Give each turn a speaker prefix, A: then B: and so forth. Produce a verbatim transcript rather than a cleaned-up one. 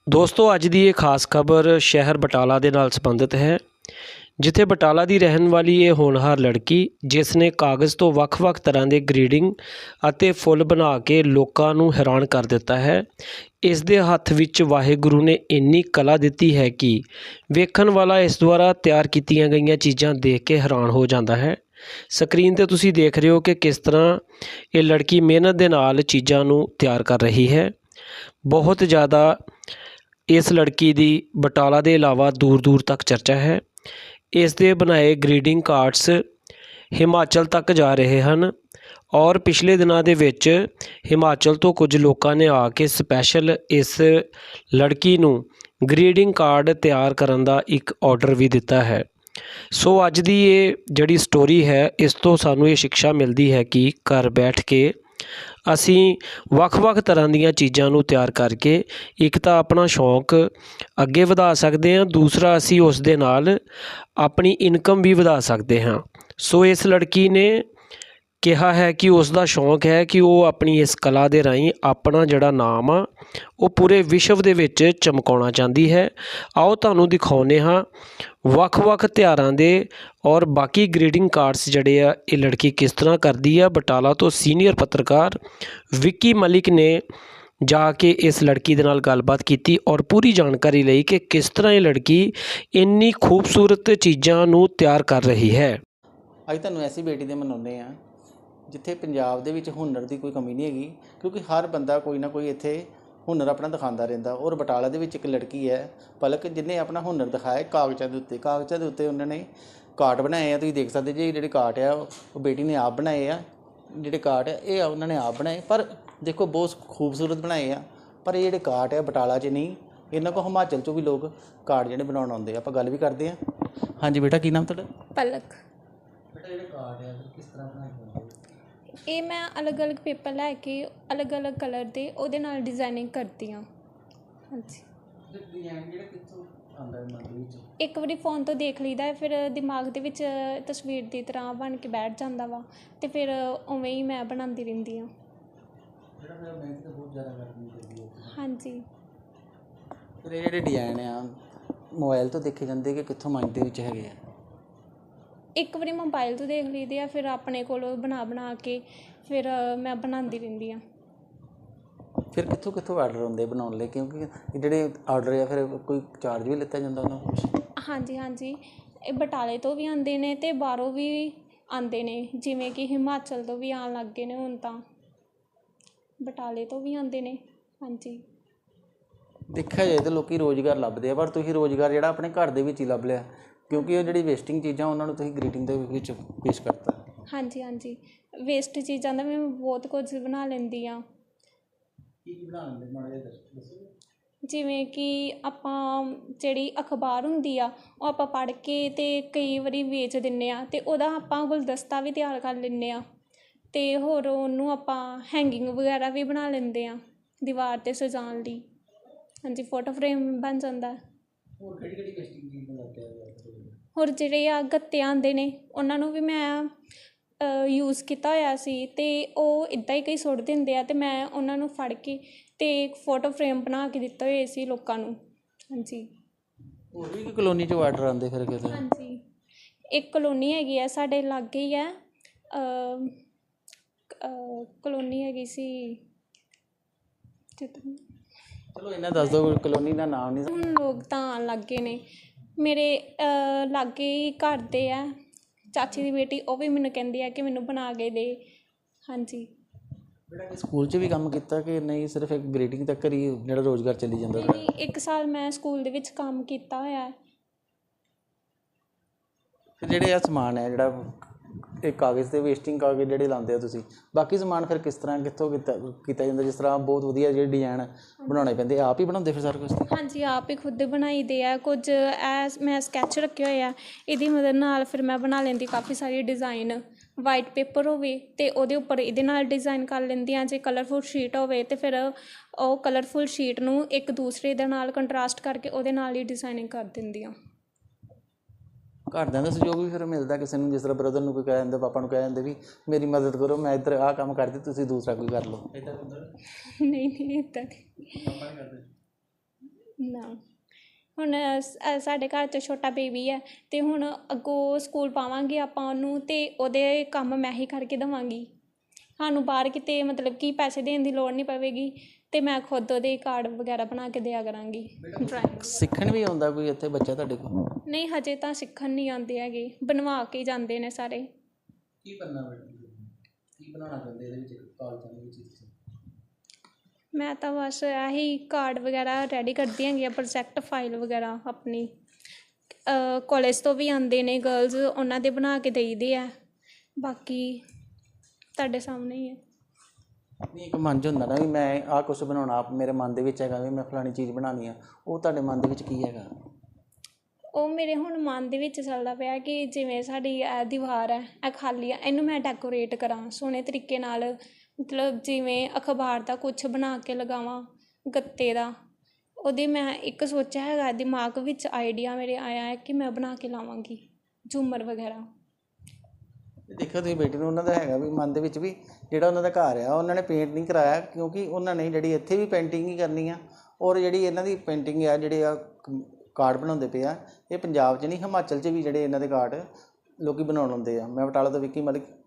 A: ਦੋਸਤੋ ਅੱਜ ਦੀ ਇਹ ਖਾਸ ਖਬਰ ਸ਼ਹਿਰ ਬਟਾਲਾ ਦੇ ਨਾਲ ਸੰਬੰਧਿਤ ਹੈ, ਜਿੱਥੇ ਬਟਾਲਾ ਦੀ ਰਹਿਣ ਵਾਲੀ ਇਹ ਹੋਣਹਾਰ ਲੜਕੀ ਜਿਸ ਨੇ ਕਾਗਜ਼ ਤੋਂ ਵੱਖ-ਵੱਖ ਤਰ੍ਹਾਂ ਦੇ ਗ੍ਰੀਡਿੰਗ ਅਤੇ ਫੁੱਲ ਬਣਾ ਕੇ ਲੋਕਾਂ ਨੂੰ ਹੈਰਾਨ ਕਰ ਦਿੱਤਾ ਹੈ। ਇਸ ਦੇ ਹੱਥ ਵਿੱਚ ਵਾਹਿਗੁਰੂ ਨੇ ਇੰਨੀ ਕਲਾ ਦਿੱਤੀ ਹੈ ਕਿ ਵੇਖਣ ਵਾਲਾ ਇਸ ਦੁਆਰਾ ਤਿਆਰ ਕੀਤੀਆਂ ਗਈਆਂ ਚੀਜ਼ਾਂ ਦੇਖ ਕੇ ਹੈਰਾਨ ਹੋ ਜਾਂਦਾ ਹੈ। ਸਕਰੀਨ ਤੇ ਤੁਸੀਂ ਦੇਖ ਰਹੇ ਹੋ ਕਿ ਕਿਸ ਤਰ੍ਹਾਂ ਇਹ ਲੜਕੀ ਮਿਹਨਤ ਦੇ ਨਾਲ ਚੀਜ਼ਾਂ ਨੂੰ ਤਿਆਰ ਕਰ ਰਹੀ ਹੈ। ਬਹੁਤ ਜ਼ਿਆਦਾ ਇਸ ਲੜਕੀ ਦੀ ਬਟਾਲਾ ਦੇ ਇਲਾਵਾ ਦੂਰ ਦੂਰ ਤੱਕ ਚਰਚਾ ਹੈ। ਇਸ ਦੇ ਬਣਾਏ ਗ੍ਰੀਟਿੰਗ ਕਾਰਡਸ ਹਿਮਾਚਲ ਤੱਕ ਜਾ ਰਹੇ ਹਨ ਔਰ ਪਿਛਲੇ ਦਿਨਾਂ ਦੇ ਵਿੱਚ ਹਿਮਾਚਲ ਤੋਂ ਕੁਝ ਲੋਕਾਂ ਨੇ ਆ ਕੇ ਸਪੈਸ਼ਲ ਇਸ ਲੜਕੀ ਨੂੰ ਗ੍ਰੀਟਿੰਗ ਕਾਰਡ ਤਿਆਰ ਕਰਨ ਦਾ ਇੱਕ ਆਰਡਰ ਵੀ ਦਿੱਤਾ ਹੈ। ਸੋ ਅੱਜ ਦੀ ਇਹ ਜਿਹੜੀ ਸਟੋਰੀ ਹੈ, ਇਸ ਤੋਂ ਸਾਨੂੰ ਇਹ ਸਿੱਖਿਆ ਮਿਲਦੀ ਹੈ ਕਿ ਘਰ ਬੈਠ ਕੇ ਅਸੀਂ ਵੱਖ-ਵੱਖ ਤਰ੍ਹਾਂ ਦੀਆਂ ਚੀਜ਼ਾਂ ਨੂੰ ਤਿਆਰ ਕਰਕੇ ਇੱਕ ਤਾਂ ਆਪਣਾ ਸ਼ੌਂਕ ਅੱਗੇ ਵਧਾ ਸਕਦੇ ਹਾਂ, ਦੂਸਰਾ ਅਸੀਂ ਉਸ ਦੇ ਨਾਲ ਆਪਣੀ ਇਨਕਮ ਵੀ ਵਧਾ ਸਕਦੇ ਹਾਂ। ਸੋ ਇਸ ਲੜਕੀ ਨੇ ਕਿਹਾ ਹੈ ਕਿ ਉਸ ਦਾ ਸ਼ੌਂਕ ਹੈ ਕਿ ਉਹ ਆਪਣੀ ਇਸ ਕਲਾ ਦੇ ਰਾਹੀਂ ਆਪਣਾ ਜਿਹੜਾ ਨਾਮ ਆ ਉਹ ਪੂਰੇ ਵਿਸ਼ਵ ਦੇ ਵਿੱਚ ਚਮਕਾਉਣਾ ਚਾਹੁੰਦੀ ਹੈ। ਆਓ ਤੁਹਾਨੂੰ ਦਿਖਾਉਂਦੇ ਹਾਂ ਵੱਖ-ਵੱਖ ਤਿਉਹਾਰਾਂ ਦੇ ਔਰ ਬਾਕੀ ਗ੍ਰੀਟਿੰਗ ਕਾਰਡਸ ਜਿਹੜੇ ਆ ਇਹ ਲੜਕੀ ਕਿਸ ਤਰ੍ਹਾਂ ਕਰਦੀ ਆ। ਬਟਾਲਾ ਤੋਂ ਸੀਨੀਅਰ ਪੱਤਰਕਾਰ ਵਿੱਕੀ ਮਲਿਕ ਨੇ ਜਾ ਕੇ ਇਸ ਲੜਕੀ ਦੇ ਨਾਲ ਗੱਲਬਾਤ ਕੀਤੀ ਔਰ ਪੂਰੀ ਜਾਣਕਾਰੀ ਲਈ ਕਿ ਕਿਸ ਤਰ੍ਹਾਂ ਇਹ ਲੜਕੀ ਇੰਨੀ ਖੂਬਸੂਰਤ ਚੀਜ਼ਾਂ ਨੂੰ ਤਿਆਰ ਕਰ ਰਹੀ ਹੈ।
B: ਅੱਜ ਤੁਹਾਨੂੰ ਐਸੀ ਬੇਟੀ ਦੇ ਮਨਾਉਂਦੇ ਆ ਜਿੱਥੇ ਪੰਜਾਬ ਦੇ ਵਿੱਚ ਹੁਨਰ ਦੀ ਕੋਈ ਕਮੀ ਨਹੀਂ ਹੈਗੀ, ਕਿਉਂਕਿ ਹਰ ਬੰਦਾ ਕੋਈ ਨਾ ਕੋਈ ਇੱਥੇ ਹੁਨਰ ਆਪਣਾ ਦਿਖਾਉਂਦਾ ਰਹਿੰਦਾ। ਔਰ ਬਟਾਲਾ ਦੇ ਵਿੱਚ ਇੱਕ ਲੜਕੀ ਹੈ ਪਲਕ, ਜਿਹਨੇ ਆਪਣਾ ਹੁਨਰ ਦਿਖਾਇਆ ਕਾਗਜ਼ਾਂ ਦੇ ਉੱਤੇ। ਕਾਗਜ਼ਾਂ ਦੇ ਉੱਤੇ ਉਹਨਾਂ ਨੇ ਕਾਰਡ ਬਣਾਏ ਆ, ਤੁਸੀਂ ਦੇਖ ਸਕਦੇ ਜੀ। ਜਿਹੜੇ ਕਾਰਡ ਆ ਉਹ ਬੇਟੀ ਨੇ ਆਪ ਬਣਾਏ ਆ। ਜਿਹੜੇ ਕਾਰਡ ਆ ਇਹ ਉਹਨਾਂ ਨੇ ਆਪ ਬਣਾਏ, ਪਰ ਦੇਖੋ ਬਹੁਤ ਖੂਬਸੂਰਤ ਬਣਾਏ ਆ। ਪਰ ਇਹ ਜਿਹੜੇ ਕਾਰਡ ਆ ਬਟਾਲਾ 'ਚ ਨਹੀਂ, ਇਹਨਾਂ ਕੋਲ ਹਿਮਾਚਲ 'ਚੋਂ ਵੀ ਲੋਕ ਕਾਰਡ ਜਿਹੜੇ ਬਣਾਉਣ ਆਉਂਦੇ ਆ। ਆਪਾਂ ਗੱਲ ਵੀ ਕਰਦੇ ਹਾਂ। ਹਾਂਜੀ ਬੇਟਾ, ਕੀ ਨਾਮ ਤੁਹਾਡਾ?
C: ਪਲਕ।
B: ਬੇਟਾ ਜਿਹੜੇ ਕਾਰਡ ਆ ਕਿਸ ਤਰ੍ਹਾਂ ਬਣਾਏ ਜਾਂਦੇ?
C: ਇਹ ਮੈਂ ਅਲੱਗ-ਅਲੱਗ ਪੇਪਰ ਲੈ ਕੇ ਅਲੱਗ-ਅਲੱਗ ਕਲਰ ਦੇ ਉਹਦੇ ਨਾਲ ਡਿਜ਼ਾਈਨਿੰਗ ਕਰਦੀ ਹਾਂ। ਹਾਂਜੀ,
B: ਡਿਜ਼ਾਈਨ ਜਿਹੜਾ ਕਿੱਥੋਂ ਆਉਂਦਾ ਮਨ ਦੇ ਵਿੱਚ? ਇੱਕ
C: ਵਾਰੀ ਫੋਨ ਤੋਂ ਦੇਖ ਲਈਦਾ, ਫਿਰ ਦਿਮਾਗ ਦੇ ਵਿੱਚ ਤਸਵੀਰ ਦੀ ਤਰ੍ਹਾਂ ਬਣ ਕੇ ਬੈਠ ਜਾਂਦਾ ਵਾ, ਅਤੇ ਫਿਰ ਉਵੇਂ ਹੀ ਮੈਂ ਬਣਾਉਂਦੀ ਰਹਿੰਦੀ ਹਾਂ।
B: ਜਿਹੜਾ ਮੇਰਾ ਮਿਹਨਤ ਤਾਂ ਬਹੁਤ ਜ਼ਿਆਦਾ ਕਰਨੀ ਪੈਂਦੀ ਹੈ।
C: ਹਾਂਜੀ।
B: ਫਿਰ ਇਹ ਜਿਹੜੇ ਡਿਜ਼ਾਈਨ ਆ ਮੋਬਾਈਲ ਤੋਂ ਦੇਖੇ ਜਾਂਦੇ ਕਿ ਕਿੱਥੋਂ ਮਾਈਂਡ ਦੇ ਵਿੱਚ ਹੈਗੇ ਆ?
C: ਇੱਕ ਵਾਰੀ ਮੋਬਾਈਲ ਤੋਂ ਦੇਖ ਲਈਦੇ ਆ, ਫਿਰ ਆਪਣੇ ਕੋਲ ਬਣਾ ਬਣਾ ਕੇ ਫਿਰ ਮੈਂ ਬਣਾਉਂਦੀ ਰਹਿੰਦੀ ਹਾਂ।
B: ਫਿਰ ਕਿੱਥੋਂ ਕਿੱਥੋਂ ਆਰਡਰ ਹੁੰਦੇ ਬਣਾਉਣ ਲਈ? ਕਿਉਂਕਿ ਜਿਹੜੇ ਆਰਡਰ ਆ ਫਿਰ ਕੋਈ ਚਾਰਜ ਵੀ ਲਿੱਤਾ ਜਾਂਦਾ ਉਹਨਾਂ ਕੁਛ?
C: ਹਾਂਜੀ ਹਾਂਜੀ, ਇਹ ਬਟਾਲੇ ਤੋਂ ਵੀ ਆਉਂਦੇ ਨੇ ਅਤੇ ਬਾਹਰੋਂ ਵੀ ਆਉਂਦੇ ਨੇ, ਜਿਵੇਂ ਕਿ ਹਿਮਾਚਲ ਤੋਂ ਵੀ ਆਉਣ ਲੱਗ ਗਏ ਨੇ ਹੁਣ ਤਾਂ, ਬਟਾਲੇ ਤੋਂ ਵੀ ਆਉਂਦੇ ਨੇ। ਹਾਂਜੀ,
B: ਦੇਖਿਆ ਜਾਏ ਤਾਂ ਲੋਕ ਰੁਜ਼ਗਾਰ ਲੱਭਦੇ ਆ, ਪਰ ਤੁਸੀਂ ਰੁਜ਼ਗਾਰ ਜਿਹੜਾ ਆਪਣੇ ਘਰ ਦੇ ਵਿੱਚ ਹੀ ਲੱਭ ਲਿਆ, ਕਿਉਂਕਿ ਉਹ ਜਿਹੜੀ ਵੇਸਟਿੰਗ ਚੀਜ਼ਾਂ ਉਹਨਾਂ ਨੂੰ ਤੁਸੀਂ ਗ੍ਰੀਟਿੰਗ ਦੇ ਵਿੱਚ ਪੇਸ਼ ਕਰਤਾ।
C: ਹਾਂਜੀ ਹਾਂਜੀ, ਵੇਸਟ ਚੀਜ਼ਾਂ ਦਾ ਮੈਂ ਬਹੁਤ ਕੁਝ ਬਣਾ ਲੈਂਦੀ ਹਾਂ।
B: ਕੀ ਕੀ ਬਣਾ ਲੈਂਦੇ ਮਾੜਾ ਜਿਹਾ ਦੱਸੋ?
C: ਜਿਵੇਂ ਕਿ ਆਪਾਂ ਜਿਹੜੀ ਅਖਬਾਰ ਹੁੰਦੀ ਆ ਉਹ ਆਪਾਂ ਪੜ੍ਹ ਕੇ ਅਤੇ ਕਈ ਵਾਰੀ ਵੇਚ ਦਿੰਦੇ ਹਾਂ, ਅਤੇ ਉਹਦਾ ਆਪਾਂ ਗੁਲਦਸਤਾ ਵੀ ਤਿਆਰ ਕਰ ਲੈਂਦੇ ਹਾਂ, ਅਤੇ ਹੋਰ ਉਹਨੂੰ ਆਪਾਂ ਹੈਂਗਿੰਗ ਵਗੈਰਾ ਵੀ ਬਣਾ ਲੈਂਦੇ ਹਾਂ ਦੀਵਾਰ 'ਤੇ ਸਜਾਉਣ ਲਈ। ਹਾਂਜੀ, ਫੋਟੋ ਫਰੇਮ ਬਣ ਜਾਂਦਾ।
B: ਹੋਰ ਕਿਹੜੀ ਕਿਹੜੀ ਵੇਸਟਿੰਗ ਚੀਜ਼ ਬਣਾਉਂਦੇ ਆ?
C: ਹੋਰ ਜਿਹੜੇ ਆ ਗੱਤੇ ਆਉਂਦੇ ਨੇ ਉਹਨਾਂ ਨੂੰ ਵੀ ਮੈਂ ਯੂਜ਼ ਕੀਤਾ ਹੋਇਆ ਸੀ, ਅਤੇ ਉਹ ਇੱਦਾਂ ਹੀ ਕਈ ਸੁੱਟ ਦਿੰਦੇ ਆ, ਅਤੇ ਮੈਂ ਉਹਨਾਂ ਨੂੰ ਫੜ ਕੇ ਅਤੇ ਫੋਟੋ ਫਰੇਮ ਬਣਾ ਕੇ ਦਿੱਤੇ ਹੋਏ ਸੀ ਲੋਕਾਂ ਨੂੰ। ਹਾਂਜੀ,
B: ਹੋਰ ਵੀ ਕੋਈ ਕਲੋਨੀ 'ਚੋਂ ਆਰਡਰ ਆਉਂਦੇ ਫਿਰ ਕਿਤੇ?
C: ਹਾਂਜੀ, ਇੱਕ ਕਲੋਨੀ ਹੈਗੀ ਆ ਸਾਡੇ ਲਾਗੇ ਹੀ ਹੈ, ਕਲੋਨੀ ਹੈਗੀ ਸੀ।
B: ਚਲੋ ਇਹਨਾਂ ਦੱਸ ਦਿਓ, ਕਲੋਨੀ ਦਾ ਨਾਮ ਨਹੀਂ।
C: ਹੁਣ ਲੋਕ ਤਾਂ ਆਉਣ ਲੱਗ ਗਏ ਨੇ, ਮੇਰੇ ਲਾਗੇ ਹੀ ਘਰ ਦੇ ਆ ਚਾਚੀ ਦੀ ਬੇਟੀ, ਉਹ ਵੀ ਮੈਨੂੰ ਕਹਿੰਦੀ ਆ ਕਿ ਮੈਨੂੰ ਬਣਾ ਕੇ ਦੇ। ਹਾਂਜੀ।
B: ਬੇਟਾ ਸਕੂਲ 'ਚ ਵੀ ਕੰਮ ਕੀਤਾ ਕਿ ਨਹੀਂ, ਸਿਰਫ ਇੱਕ ਗ੍ਰੀਟਿੰਗ ਤੱਕ ਹੀ ਜਿਹੜਾ ਰੁਜ਼ਗਾਰ ਚੱਲੀ ਜਾਂਦਾ?
C: ਨਹੀਂ, ਇੱਕ ਸਾਲ ਮੈਂ ਸਕੂਲ ਦੇ ਵਿੱਚ ਕੰਮ ਕੀਤਾ ਹੋਇਆ।
B: ਫਿਰ ਜਿਹੜੇ ਆ ਸਮਾਨ ਹੈ ਜਿਹੜਾ ਇਹ ਕਾਗਜ਼ 'ਤੇ ਵੇਸਟਿੰਗ ਕਾਗਜ਼ ਜਿਹੜੇ ਲਾਉਂਦੇ ਹੋ ਤੁਸੀਂ, ਬਾਕੀ ਸਮਾਨ ਫਿਰ ਕਿਸ ਤਰ੍ਹਾਂ ਕਿੱਥੋਂ ਕੀਤਾ ਕੀਤਾ ਜਾਂਦਾ? ਜਿਸ ਤਰ੍ਹਾਂ ਬਹੁਤ ਵਧੀਆ ਜਿਹੜੇ ਡਿਜ਼ਾਈਨ ਬਣਾਉਣੇ ਪੈਂਦੇ, ਆਪ ਹੀ ਬਣਾਉਂਦੇ ਫਿਰ ਸਾਰਾ ਕੁਛ?
C: ਹਾਂਜੀ, ਆਪ ਹੀ ਖੁਦ ਬਣਾਈ ਦੇ ਆ। ਕੁਝ ਐ ਮੈਂ ਸਕੈਚ ਰੱਖੇ ਹੋਏ ਆ, ਇਹਦੀ ਮਦਦ ਨਾਲ ਫਿਰ ਮੈਂ ਬਣਾ ਲੈਂਦੀ ਕਾਫੀ ਸਾਰੇ ਡਿਜ਼ਾਇਨ। ਵਾਈਟ ਪੇਪਰ ਹੋਵੇ ਅਤੇ ਉਹਦੇ ਉੱਪਰ ਇਹਦੇ ਨਾਲ ਡਿਜ਼ਾਇਨ ਕਰ ਲੈਂਦੀ ਹਾਂ। ਜੇ ਕਲਰਫੁਲ ਸ਼ੀਟ ਹੋਵੇ ਅਤੇ ਫਿਰ ਉਹ ਕਲਰਫੁਲ ਸ਼ੀਟ ਨੂੰ ਇੱਕ ਦੂਸਰੇ ਦੇ ਨਾਲ ਕੰਟਰਾਸਟ ਕਰਕੇ ਉਹਦੇ ਨਾਲ ਹੀ ਡਿਜ਼ਾਇਨਿੰਗ ਕਰ ਦਿੰਦੀ ਹਾਂ।
B: ਘਰਦਿਆਂ ਦਾ ਸਹਿਯੋਗ ਵੀ ਫਿਰ ਮਿਲਦਾ ਕਿਸੇ ਨੂੰ? ਜਿਸ ਤਰ੍ਹਾਂ ਬ੍ਰਦਰ ਨੂੰ ਕੋਈ ਕਹਿ ਦਿੰਦਾ, ਪਾਪਾ ਨੂੰ ਕਹਿ ਦਿੰਦੇ ਵੀ ਮੇਰੀ ਮਦਦ ਕਰੋ, ਮੈਂ ਇੱਧਰ ਆਹ ਕੰਮ ਕਰਦੀ, ਤੁਸੀਂ ਦੂਸਰਾ ਕੋਈ ਕਰ ਲਓ, ਇੱਦਾਂ?
C: ਨਹੀਂ ਨਹੀਂ, ਇੱਦਾਂ ਨਹੀਂ।
B: ਪਾਪਾ ਨਹੀਂ ਕਰਦੇ?
C: ਨਾ ਹੁਣ ਸ- ਅ, ਸਾਡੇ ਘਰ 'ਚ ਛੋਟਾ ਬੇਬੀ ਹੈ ਅਤੇ ਹੁਣ ਅੱਗੋਂ ਸਕੂਲ ਪਾਵਾਂਗੇ ਆਪਾਂ ਉਹਨੂੰ ਅਤੇ ਉਹਦੇ ਕੰਮ ਮੈਂ ਹੀ ਕਰਕੇ ਦੇਵਾਂਗੀ। ਸਾਨੂੰ ਬਾਹਰ ਕਿਤੇ ਮਤਲਬ ਕਿ ਪੈਸੇ ਦੇਣ ਦੀ ਲੋੜ ਨਹੀਂ ਪਵੇਗੀ ਅਤੇ ਮੈਂ ਖੁਦ ਉਹਦੇ ਕਾਰਡ ਵਗੈਰਾ ਬਣਾ ਕੇ ਦਿਆ ਕਰਾਂਗੀ ਡਰਾਇੰਗ।
B: ਸਿੱਖਣ ਵੀ ਆਉਂਦਾ ਕੋਈ ਇੱਥੇ ਬੱਚਾ ਤੁਹਾਡੇ ਕੋਲ?
C: ਨਹੀਂ ਹਜੇ ਤਾਂ ਸਿੱਖਣ ਨਹੀਂ ਆਉਂਦੇ ਹੈਗੇ, ਬਣਵਾ ਕੇ ਜਾਂਦੇ ਨੇ ਸਾਰੇ।
B: ਕੀ ਕਰਨਾ ਕੀ ਬਣਾਉਣਾ ਚਾਹੁੰਦੇ ਇਹਦੇ ਵਿੱਚ ਕਾਲਜਾਂ ਦੇ ਵਿੱਚ ਤੁਸੀਂ?
C: ਮੈਂ ਤਾਂ ਬਸ ਇਹੀ ਕਾਰਡ ਵਗੈਰਾ ਰੈਡੀ ਕਰਦੀ ਹੈਗੀ ਆ, ਪ੍ਰੋਜੈਕਟ ਫਾਈਲ ਵਗੈਰਾ ਆਪਣੀ ਕਾਲਜ ਤੋਂ ਵੀ ਆਉਂਦੇ ਨੇ ਗਰਲਜ਼, ਉਹਨਾਂ ਦੇ ਬਣਾ ਕੇ ਦੇਈਦੇ ਆ। ਬਾਕੀ ਤੁਹਾਡੇ ਸਾਹਮਣੇ ਹੀ ਹੈ।
B: ਨਹੀਂ ਇੱਕ ਮਨ 'ਚ ਹੁੰਦਾ ਨਾ ਵੀ ਮੈਂ ਆਹ ਕੁਛ ਬਣਾਉਣਾ, ਆਪ ਮੇਰੇ ਮਨ ਦੇ ਵਿੱਚ ਹੈਗਾ ਵੀ ਮੈਂ ਫਲਾਣੀ ਚੀਜ਼ ਬਣਾਉਣੀ ਆ, ਉਹ ਤੁਹਾਡੇ ਮਨ ਦੇ ਵਿੱਚ ਕੀ ਹੈਗਾ?
C: ਉਹ ਮੇਰੇ ਹੁਣ ਮਨ ਦੇ ਵਿੱਚ ਚੱਲਦਾ ਪਿਆ ਕਿ ਜਿਵੇਂ ਸਾਡੀ ਇਹ ਦੀਵਾਰ ਹੈ, ਇਹ ਖਾਲੀ ਆ, ਇਹਨੂੰ ਮੈਂ ਡੈਕੋਰੇਟ ਕਰਾਂ ਸੋਹਣੇ ਤਰੀਕੇ ਨਾਲ, ਮਤਲਬ ਜਿਵੇਂ ਅਖਬਾਰ ਦਾ ਕੁਛ ਬਣਾ ਕੇ ਲਗਾਵਾਂ, ਗੱਤੇ ਦਾ। ਉਹਦੇ ਮੈਂ ਇੱਕ ਸੋਚਿਆ ਹੈਗਾ ਦਿਮਾਗ ਵਿੱਚ, ਆਈਡੀਆ ਮੇਰੇ ਆਇਆ ਹੈ ਕਿ ਮੈਂ ਬਣਾ ਕੇ ਲਾਵਾਂਗੀ ਝੂਮਰ ਵਗੈਰਾ।
B: ਦੇਖੋ ਤੁਸੀਂ ਬੇਟੀ ਨੂੰ, ਉਹਨਾਂ ਦਾ ਹੈਗਾ ਵੀ ਮਨ ਦੇ ਵਿੱਚ ਵੀ ਜਿਹੜਾ ਉਹਨਾਂ ਦਾ ਘਰ ਆ ਉਹਨਾਂ ਨੇ ਪੇਂਟ ਨਹੀਂ ਕਰਾਇਆ, ਕਿਉਂਕਿ ਉਹਨਾਂ ਨੇ ਜਿਹੜੀ ਇੱਥੇ ਵੀ ਪੇਂਟਿੰਗ ਹੀ ਕਰਨੀ ਆ। ਔਰ ਜਿਹੜੀ ਇਹਨਾਂ ਦੀ ਪੇਂਟਿੰਗ ਆ, ਜਿਹੜੇ ਆ ਕਾਰਡ ਬਣਾਉਂਦੇ ਪਏ ਆ, ਇਹ ਪੰਜਾਬ 'ਚ ਨਹੀਂ ਹਿਮਾਚਲ 'ਚ ਵੀ ਜਿਹੜੇ ਇਹਨਾਂ ਦੇ ਕਾਰਡ ਲੋਕ ਬਣਾਉਣ ਆਉਂਦੇ ਆ। ਮੈਂ ਬਟਾਲਾ ਤੋਂ ਵਿੱਕੀ ਮਲਿਕ,